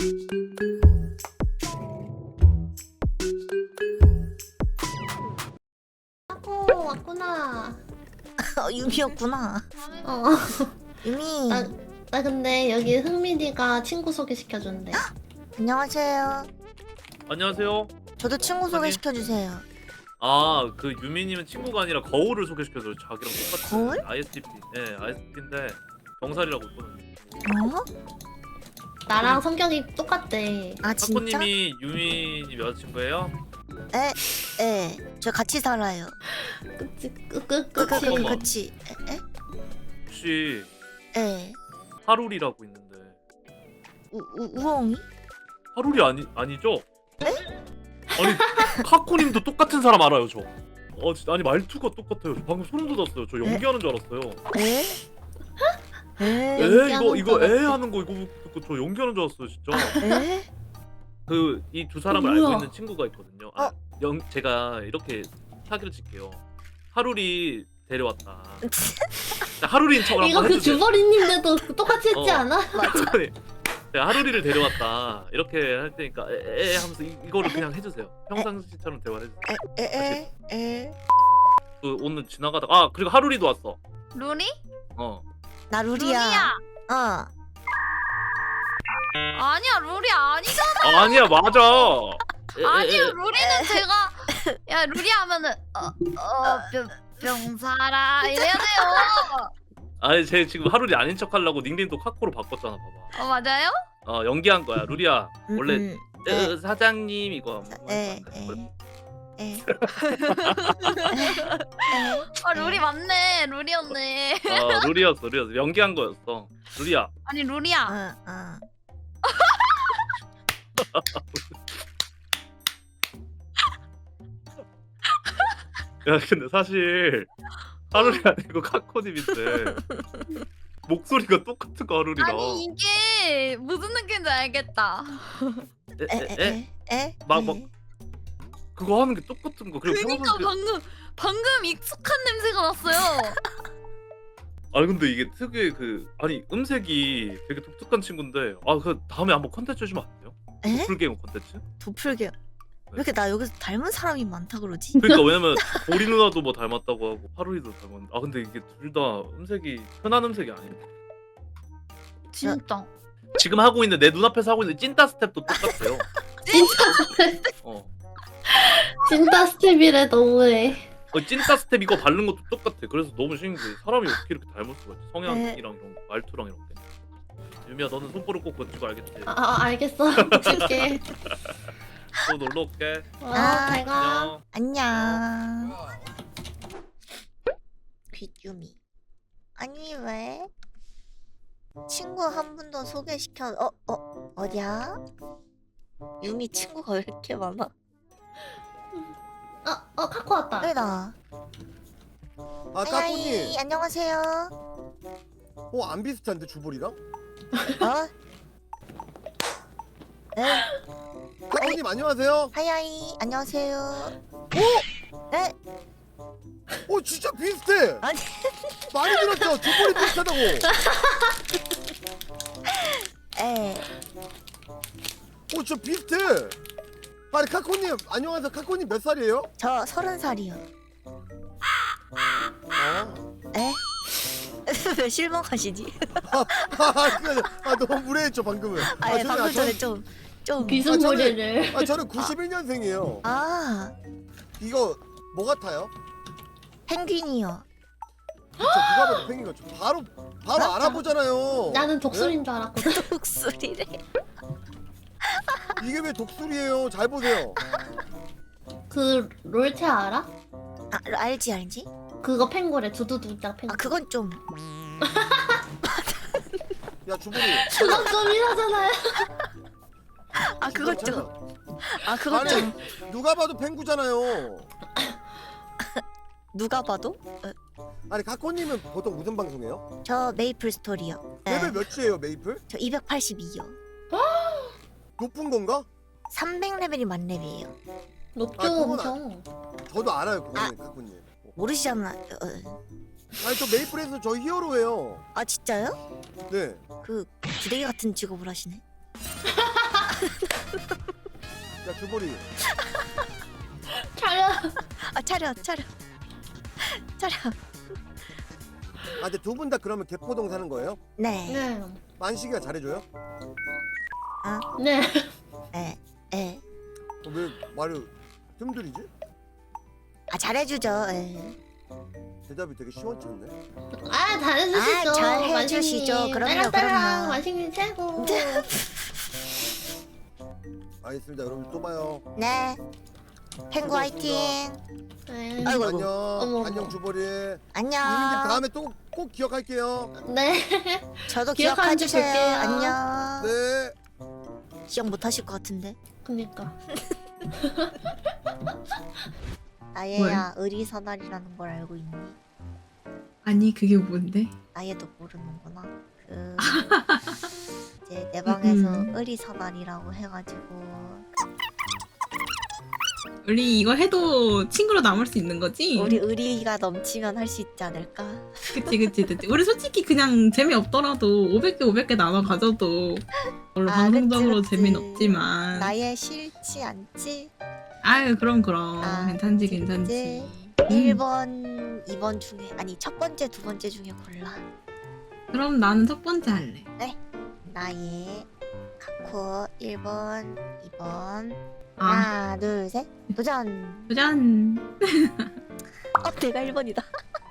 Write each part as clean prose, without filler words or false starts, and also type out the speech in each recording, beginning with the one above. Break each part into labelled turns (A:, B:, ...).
A: 왔구나.
B: 유미였구나.
A: 어.
B: 유미.
A: 나 근데 여기 흥민이가 친구 소개시켜준대.
B: 안녕하세요.
C: 안녕하세요.
B: 저도 친구 소개시켜주세요.
C: 아, 그 유미님은 친구가 아니라 거울을 소개시켜줘요. 자기랑 똑같은
B: 거울?
C: ISTP. 네, ISTP인데 병살이라고 있거든요.
B: 어?
A: 나랑 성격이 똑같대.
B: 아 진짜?
C: 사코님이 유미님 여자친구예요?
B: 에. 저 같이 살아요.
A: 그치.
C: 잠깐만.
B: 그치.
C: 혹시
B: 에.
C: 하룰이라고 있는데
B: 우엉이?
C: 하룰이 아니죠? 아니 카코님도 똑같은 사람 알아요 저. 아니 말투가 똑같아요. 저 방금 소름 돋았어요. 저 연기하는 줄 알았어요.
B: 에? 에?
C: 이거 하는 거 이거 듣고 저 연기하는 줄 알았어요 진짜.
B: 에?
C: 그 이 두 사람을
A: 뭐야?
C: 알고 있는 친구가 있거든요. 제가 이렇게 사기를 칠게요. 하룰이 데려왔다. 하룰이인 척을
A: 이거
C: 한번
A: 그
C: 해주세요.
A: 주버리님네도 똑같이 했지 않아?
C: 아니, 제가 하루리를 데려왔다 이렇게 할 테니까 에 하면서 이거를 그냥 해주세요. 평상시처럼 대화해주세요.
B: 에?
C: 그 오늘 지나가다가 그리고 하루리도 왔어.
D: 루리?
B: 나 루리야. 어.
D: 아니야 루리 아니잖아.
C: 아니야 맞아.
D: 아니야 루리는 제가 야 루리 하면은 병사라 이래야 돼요.
C: 아니 제 지금 하루리 아닌 척 하려고 닉네임도 카코로 바꿨잖아 봐봐.
D: 맞아요?
C: 연기한 거야. 루리야 원래
B: 에.
C: 사장님 이거
B: 에.
D: 루리 맞네 루리였네.
C: 루리였어 연기한 거였어. 루리야
D: 아니 루리야.
C: 야 근데 사실 하루리 아니고 카코님인데 목소리가 똑같은 거 하루리랑.
D: 아니 이게 무슨 느낌인지 알겠다.
B: 에?
C: 막 그거 하는 게 똑같은 거. 그리고
D: 그니까
C: 평상시
D: 방금 익숙한 냄새가 났어요.
C: 아니 근데 이게 특유의 그 아니 음색이 되게 독특한 친구인데 그 다음에 한번 컨텐츠 해주면 안 돼요?
B: 에?
C: 도플갱어 컨텐츠?
B: 도플갱어. 왜 이렇게 나 여기서 닮은 사람이 많다 그러지?
C: 그러니까 왜냐면 보리 누나도 뭐 닮았다고 하고 하루이도 닮았는데 근데 이게 둘 다 음색이 흔한 음색이 아니네.
D: 진짜.
C: 지금 하고 있는 내 눈앞에서 하고 있는 찐따 스텝도 똑같아요.
A: 진짜 스텝이래 너무해.
C: 찐따 스텝 이거 바른 것도 똑같아. 그래서 너무 신기해. 사람이 어떻게 이렇게 닮을 수가 있지? 성향이랑 이런 거, 말투랑 이런 게. 유미야 너는 손가락 꼭 건지고 알겠지?
A: 알겠어. 붙일게.
C: 또 놀러 올게.
A: 잘 가.
C: 안녕.
B: 안녕. 귀유미. 아니 왜? 친구 한 분도 소개시켜. 어디야? 유미 친구가 왜 이렇게 많아?
A: 카코 왔다.
B: 왜나?
E: 까꾸님.
B: 안녕하세요.
E: 안 비슷한데 주볼이랑?
B: 어? 네.
E: 까꾸님 안녕하세요.
B: 하야이 안녕하세요. 네?
E: 진짜 비슷해.
B: 아니
E: 많이 들었죠. 주볼이 비슷하다고.
B: 에.
E: 진짜 비슷해. 아니 카코님 안녕하세요. 카코님 몇 살이에요?
B: 저 30살이요. 에? 왜 실망하시지?
E: 너무 무례했죠 방금은.
B: 아니 방금 전에 좀
A: 비스무리를.
E: 저는 91년생이에요. 이거 뭐 같아요?
B: 펭귄이요.
E: 그쵸, 누가 봐도 펭귄 같죠. 바로 알아보잖아요.
A: 나는 독수리인 줄 알았거든.
B: 독수리래.
E: 이게 왜 독수리예요? 잘 보세요.
A: 그 롤체 알아?
B: 알지.
A: 그거 펭고래. 두두두짝 펭고.
B: 그건 좀.
E: 야 주볼이.
A: 그건 좀 이러잖아요.
B: 그건 좀. 그건
E: 아니,
B: 좀.
E: 누가 봐도 펭구잖아요.
B: 누가 봐도?
E: 아니 카코님은 보통 무슨 방송해요?
B: 저 메이플 스토리요.
E: 레벨 몇이에요 메이플?
B: 저 282요.
E: 높은 건가?
B: 300레벨이 만렙이에요.
A: 높죠
E: 그건
A: 엄청.
E: 저도 알아요 그거는 카코님.
B: 모르시잖아요.
E: 아니 저 메이플에서 저 히어로예요.
B: 진짜요?
E: 네.
B: 그 부대기 같은 직업을 하시네.
E: 야 주보리.
A: 차려.
B: 아 차려.
E: 아 근데 두 분 다 그러면 개포동 사는 거예요?
B: 네.
A: 네.
E: 만식이가 잘해줘요?
A: 네.
B: 네.
E: 왜 말을 뜸들이지?
B: 아 잘해주죠. 예.
E: 대답이 되게 시원찮네.
A: 아 잘해주시죠.
B: 아, 잘해주시죠.
A: 만식님.
B: 그럼요,
A: 따라따라.
B: 그럼요.
A: 만식님 최고.
E: 알겠습니다. 여러분 또 봐요.
B: 네. 펭구 화이팅.
A: 네.
B: 아이고.
E: 안녕.
A: 어머.
E: 안녕 주보리.
B: 안녕.
E: 유민님 다음에 또 꼭 기억할게요.
A: 네.
B: 저도
A: 기억하는 줄
B: 기억해주세요.
A: 볼게요.
B: 안녕.
E: 네.
B: 기억 못하실 것 같은데.
A: 그니까.
B: 아예야 의리선알이라는 걸 알고 있니?
F: 아니 그게 뭔데?
B: 아예도 모르는구나. 그 이제 내 방에서 의리선알이라고 해가지고
F: 우리 이거 해도 친구로 남을 수 있는 거지?
B: 우리 의리가 넘치면 할 수 있지 않을까?
F: 그치. 우리 솔직히 그냥 재미없더라도 500개 나눠 가져도 물론
B: 아,
F: 방송적으로
B: 그치.
F: 재미는 없지만
B: 나의 싫지 않지?
F: 아유 그럼
B: 아,
F: 괜찮지.
B: 1번, 2번 중에 아니 첫 번째, 두 번째 중에 골라.
F: 그럼 나는 첫 번째 할래.
B: 나의 카코 1번, 2번.
F: 아
B: 하나, 둘, 셋. 도전.
F: 도전.
B: 내가 1번이다.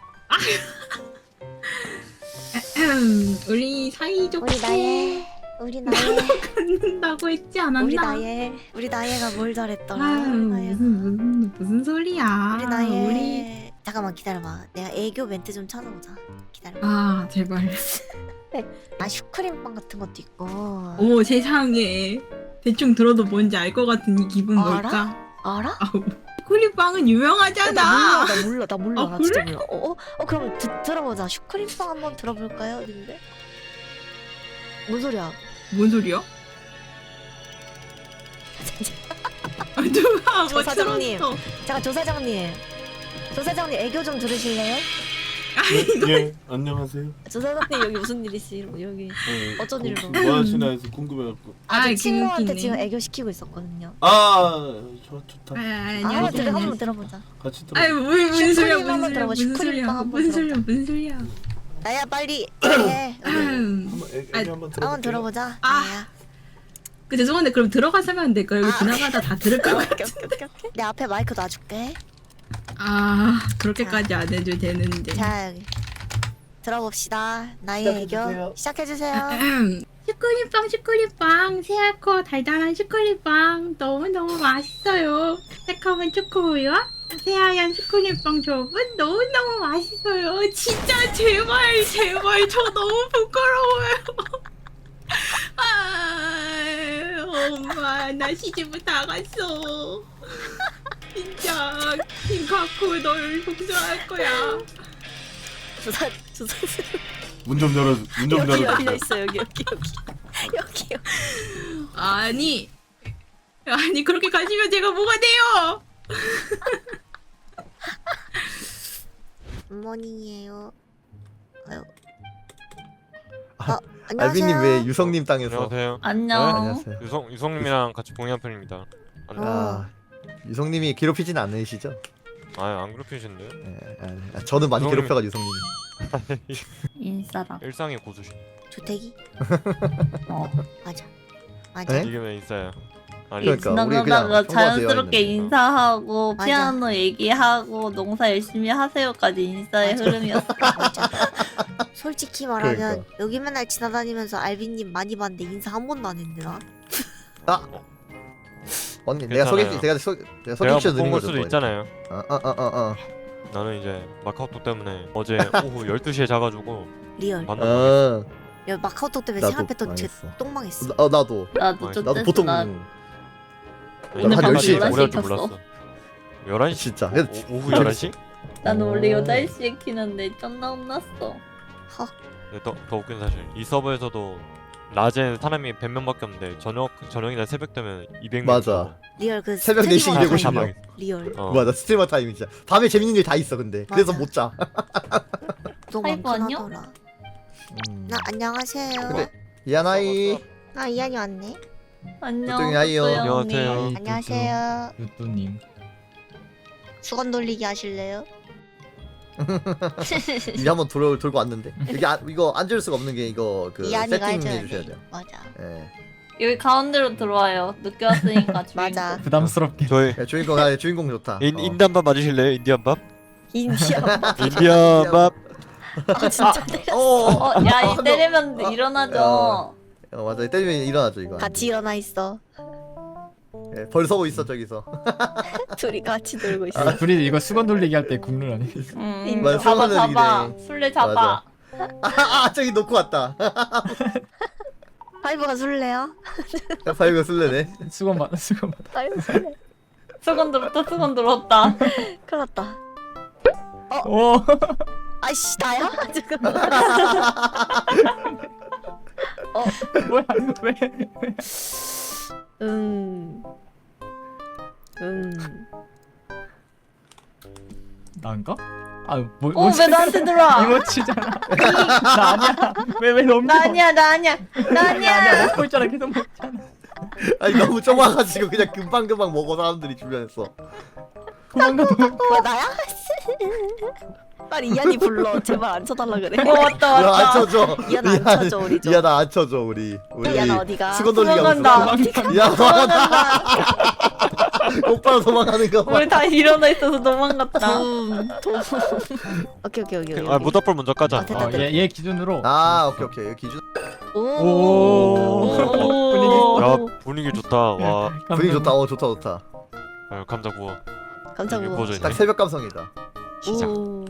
F: 우리 사이좋게
B: 우리 나의
F: 갖는다고 했지 않았나?
B: 우리 나예가 뭘 잘했더라.
F: 아유
B: 나예가.
F: 무슨 소리야?
B: 우리 나예. 잠깐만 기다려봐. 내가 애교 멘트 좀 찾아보자. 기다려봐.
F: 아 제발.
B: 아 슈크림빵 같은 것도 있고.
F: 오 세상에 대충 들어도 뭔지 알 것 같은 이 기분
B: 알아?
F: 뭘까?
B: 알아?
F: 아우 슈크림빵은 유명하잖아.
B: 나 몰라.
F: 아,
B: 나
F: 그래?
B: 진짜 몰라. 그럼 들어보자. 슈크림빵 한번 들어볼까요, 님들? 뭔 소리야?
F: 뭔 소리야? 누가 뭐
B: 조사장님.
F: 틀었어?
B: 잠깐 조사장님 애교 좀 들으실래요?
G: 예, 안녕하세요.
B: 조사장님 여기 무슨 일 있으시고 여기 어쩐 일로?
G: 뭐 하시나 해서 궁금해갖고.
B: 제 친구한테
F: 웃기네.
B: 지금 애교 시키고 있었거든요.
G: 좋다.
F: 안녕하세요.
B: 한번 들어보자.
G: 같이 들어.
F: 아유 무슨 소리야
B: 슈크림 한번 들어봐, 슈크림빵 한번
F: 무슨 소리야?
B: 나야 빨리 해.
G: 한번 애기 한번 들어.
B: 한번 들어보자.
F: 아.
B: 나야.
F: 그 죄송한데 그럼 들어가서 하면 안 될까요? 여기 지나가다 다 들을 것 같아.
B: 오케이. 내 앞에 마이크 놔줄게.
F: 아 그렇게까지 안 해도 되는데.
B: 자 여기 들어봅시다. 나의 애교 시작해주세요.
F: 슈크림빵 새하얗고 달달한 슈크림빵 너무너무 맛있어요. 새콤한 초코우유와 새하얀 슈크림빵 조합은 너무너무 맛있어요. 진짜 제발 저 너무 부끄러워요. 엄마 나 시집을 다 갔어. 진짜 킹카쿠 널 복수할 거야.
B: 조사
G: 문 좀 열어. 문 좀
B: 여기
G: 열어.
B: 열려 있어 여기요.
F: 아니 그렇게 가시면 제가 뭐가 돼요?
B: 굿모닝이에요. 아유. 안녕하세요.
H: 알비님 왜 유성님 땅에서?
I: 안녕하세요.
D: 안녕.
H: 안녕하세요.
I: 유성님이랑 같이 공유한 편입니다.
H: 아, 유성님이 괴롭히진 않으시죠?
I: 안 괴롭히신데?
H: 저는 많이
I: 유성님-
H: 괴롭혀가지고 유성님이.
D: 인싸다.
I: 일상의 고수신.
B: 주택이? 맞아.
H: 네?
I: 이게 왜 인싸야? 아니
H: 그러니까 우리 그냥
D: 지나가다가
H: 통화되어
D: 자연스럽게
H: 있는 거.
D: 인사하고
B: 맞아.
D: 피아노 얘기하고 농사 열심히 하세요까지 인싸의
B: 맞아.
D: 흐름이었어.
B: 맞아. 솔직히 말하면
H: 그러니까.
B: 여기 맨날 지나다니면서 알비님 많이 봤는데 인사 한 번도 안 했는데 나?
H: 언니 내가
I: 괜찮아요.
H: 내가
I: 제가
H: 소개시켜
I: 못
H: 드린
I: 본 걸
H: 거죠.
I: 수도
H: 또.
I: 있잖아요.
H: 어어어어.
I: 나는 이제 마카오톡 때문에 어제 오후 12시에 자가지고
B: 리얼.
I: 만나.
B: 야 마카오톡 때문에
H: 나도
B: 생각했던 제
H: 망했어.
B: 똥망했어.
H: 나도
D: 나도 좀
H: 나도 보통
D: 나
H: 오늘
I: 한
H: 밤
I: 10시에
H: 11시에
I: 오래 할줄
D: 켰어.
I: 몰랐어. 11시?
H: 진짜.
I: 오후 11시?
D: 나는 원래
H: 어.
D: 8시에 키는데 쩐나 혼났어.
I: 더 웃긴 사실 이 서버에서도 낮에 사람이 100명밖에 없는데 저녁이나 새벽 되면 200명.
H: 맞아.
B: 리얼 그
H: 새벽
B: 스트리머
H: 4시
B: 타임.
H: 250명.
B: 리얼.
H: 맞아 스트리머 타임 진짜. 밤에 재밌는 일 다 있어 근데. 그래서
B: 맞아.
H: 못 자.
B: 너무
D: 하이브
B: 많긴
D: 안녕?
B: 하더라. 나 안녕하세요.
H: 근데 이하나이.
B: 이한이 왔네.
H: 조용히 하이요.
I: 안녕하세요.
B: 안녕하세요.
J: 유뚜님.
B: 수건 돌리기 하실래요?
H: 이미 한번 돌고 왔는데 여기 이거 앉을 수가 없는 게 이거 그
B: 이한이가
H: 세팅해
B: 해줘야
H: 주셔야
B: 돼.
H: 돼요.
B: 맞아.
H: 예.
D: 여기 가운데로 들어와요. 늦게 왔으니까.
B: 맞아.
J: 부담스럽게.
I: 저희
H: 야, 주인공 좋다.
I: 인디안밥 맞으실래요? 인디안밥?
B: 인디안.
I: 인디안밥.
B: 아 진짜 때려.
D: 야,
H: 아,
D: 이 때리면 일어나죠.
H: 맞아. 때리면 일어나죠 이거.
B: 같이 일어나 있어.
H: 예, 벌 서고 있어 저기서.
B: 둘이 같이 놀고 있어.
J: 아, 둘이 이거 수건 돌리기 할 때 국룰 아니?
H: 맞아,
D: 잡아,
H: 수건을
D: 잡아.
H: 이래.
D: 술래 잡아.
H: 저기 놓고 왔다.
B: 파이브가 술래야?
H: 파이브 술래네.
J: 수건 받아 수건 받아.
B: 파이브 술래.
D: 수건 들었다, 수건 들었다.
B: 큰일 났다.
J: 오.
B: 아이씨 나야? 지금.
J: 뭐야 이거 왜? 난가? 아뭐
D: 왜 나한테 들어와?
J: 이모치잖아. 나 아니야. 왜 넘겨?
D: 나 아니야, 나 아니야. 나 아니야.
J: 먹고 있잖아 계속 먹잖아.
H: 아니 너무 좁아가지고 그냥 금방금방 먹어 사람들이 주변에서.
J: 도망가.
B: 뭐 나야? 빨리 이한이 불러. 제발 안 쳐달라 그래.
D: 왔다,
H: 안
D: 왔다.
H: 쳐줘.
B: 이한 안 쳐줘 우리 좀.
H: 이하나 안 쳐줘 우리.
B: 이한 어디가?
H: 수건 돌리기 하고
D: 도망간다.
H: 있어. 야 도망간다. 오빠가 도망가는 거 봐.
D: 우리 다 일어나 있어서 도망갔다.
B: 도. 오케이.
I: 아 모닥불 먼저 까자.
B: 아, 됐다.
J: 얘 기준으로.
H: 아 오케이 여기 기준.
J: 오.
I: 야 분위기 좋다. 와
H: 분위기 좋다. 좋다.
I: 감자 구워.
B: 깜짝
I: 이게
B: 놀랐어.
I: 구워져 있네.
H: 딱 새벽 감성이다.
I: 시작.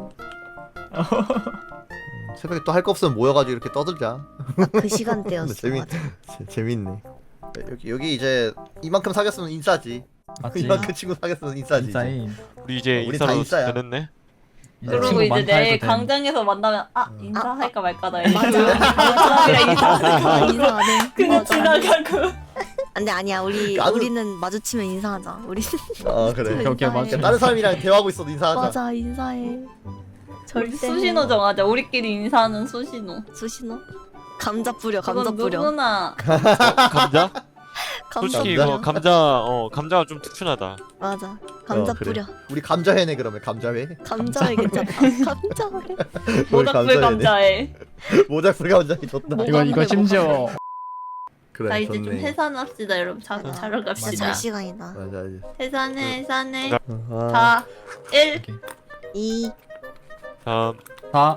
H: 새벽에 또 할 거 없으면 모여가지고 이렇게 떠들자.
B: 그 시간대였어.
H: 재밌네. 여기 이제 이만큼 사귀었으면 인싸지.
J: 맞지.
H: 이만큼 친구 사귀었으면 인싸지. 이제.
J: 인싸인.
I: 우리 이제
H: 우리 다
I: 인사로
H: 인싸야.
I: 되냈네.
D: 그리고
J: 친구
D: 이제
J: 많다
D: 내일
J: 해도 돼.
D: 광장에서 만나면 인사할까 말까다.
B: 맞아.
D: 사람이랑 인사하다가
B: 인사하네.
D: 그냥 지나가고.
B: 안돼 아니야 우리는 마주치면 인사하자. 우리
H: 그래.
J: 오케이, 맞아.
H: 다른 사람이랑 대화하고 있어도 인사하자.
B: 맞아 인사해.
D: 우리
B: 절대.
D: 수신호 정하자. 우리끼리 인사하는 수신호.
B: 수신호? 감자 뿌려
D: 그건
B: 감자 뿌려.
D: 누구나.
I: 감자?
B: 감자
I: 솔직히
B: 뿌려.
I: 이거 감자가 좀 특출나다.
B: 맞아. 감자
H: 그래.
B: 뿌려.
H: 우리 감자회네 그러면 감자회.
B: 감자회 괜찮다. 감자회.
D: 모닥불 감자에.
H: 모닥불 감자회 좋다.
J: 이거 심지어
H: 그래.
D: 자 이제 좀
H: 좋네.
D: 해산합시다 여러분. 자러
B: 진짜
D: 갑시다.
B: 잘 시간이다.
H: 맞아.
D: 해산해.
H: 아,
D: 4, 1.
B: 2
I: 다음
J: 4.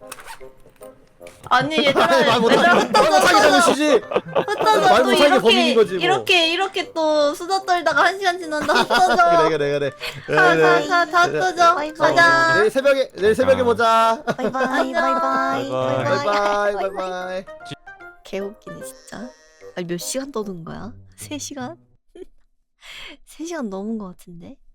D: 아니 얘들아
H: 말 못하게 잡으시지.
D: 흩어져
H: 말
D: 또
H: 못하게 범인인 거지, 뭐.
D: 이렇게 또 수다 떨다가 1시간 지난다. 흩어져.
H: 그래.
D: 다 흩어져.
B: 바이바이.
D: 가자.
H: 내일 새벽에 보자.
B: 바이바이 바이바이
H: 바이바이 바이바이.
B: 개웃기네 진짜. 아니 몇 시간 떠든 거야? 3시간? 3시간 넘은 거 같은데?